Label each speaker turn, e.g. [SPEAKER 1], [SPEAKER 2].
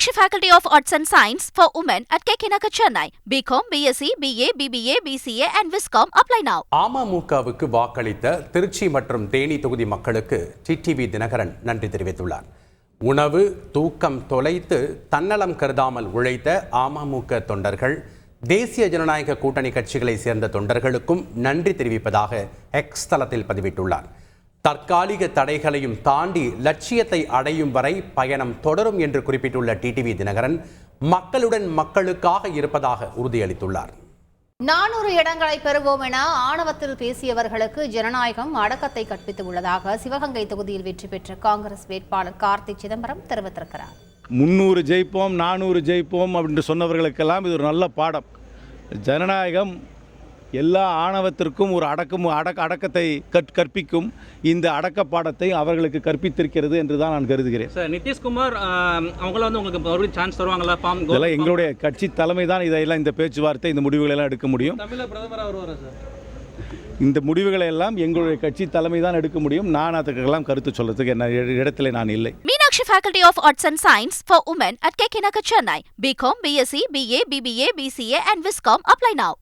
[SPEAKER 1] Meenakshi Faculty of Arts and Science for Women at KK Nagar, Chennai. BCom, BSc, BA, BBA, BCA and Viscom. Apply now.
[SPEAKER 2] அமமுகவுக்கு வாக்களித்த திருச்சி மற்றும் தேனி தொகுதி மக்களுக்கு TTV Dinakaran நன்றி தெரிவித்துள்ளார். உணவு, தூக்கம் தொலைத்து தன்னலம் கருதாமல் உழைத்த அமமுக தொண்டர்கள், தேசிய ஜனநாயக கூட்டணி கட்சிகளை சேர்ந்த தொண்டர்களுக்கும் நன்றி தெரிவிப்பதாக எக்ஸ் தளத்தில் பதிவிட்டுள்ளார். தற்காலிக தடைகளையும் தாண்டி லட்சியத்தை அடையும் வரை பயணம் தொடரும் என்று குறிப்பிட்டுள்ள டிடிவி தினகரன் மக்களுடன் மக்களுக்காக இருப்பதாக உறுதியளித்துள்ளார்.
[SPEAKER 3] 400 இடங்களை பெறுவோம் என ஆணவத்தில் பேசியவர்களுக்கு ஜனநாயகம் அடக்கத்தை கற்பித்து உள்ளதாக சிவகங்கை தொகுதியில் வெற்றி பெற்ற காங்கிரஸ் வேட்பாளர் கார்த்தி சிதம்பரம் தெரிவித்திருக்கிறார்.
[SPEAKER 4] 300 ஜெயிப்போம், 400 ஜெயிப்போம் அப்படின்னு சொன்னவர்களுக்கெல்லாம் இது ஒரு நல்ல பாடம். ஜனநாயகம் எல்லா ஆணவத்திற்கும் ஒரு அடக்கத்தை கற்பிக்கும். இந்த அடக்க பாடத்தை அவர்களுக்கு கற்பித்திருக்கிறது என்று தான் நான் கருதுகிறேன்.
[SPEAKER 5] சார், நிதிஷ்குமார் அவங்கள உங்களுக்கு மறுபடியும் சான்ஸ் தருவாங்களா?
[SPEAKER 4] இதெல்லாம் எங்களுடைய கட்சி தலைமை தான் இதையெல்லாம் இந்த பேச்சுவார்த்தை, இந்த முடிவுகளை எல்லாம் எடுக்க முடியும்.
[SPEAKER 5] தமிழக பிரதமராக வருவாரா சார்?
[SPEAKER 4] இந்த முடிவுகளை எல்லாம் எங்களுடைய கட்சி தலைமை தான் எடுக்க முடியும். நான் அதுக்கெல்லாம் கருத்து சொல்றதுக்கு என்ன இடத்துல நான் இல்லை.
[SPEAKER 1] Meenakshi Faculty of Arts and Science for Women at KK Nagar, Chennai. BCom, BSc, BA, BBA, BCA and Viscom. Apply now.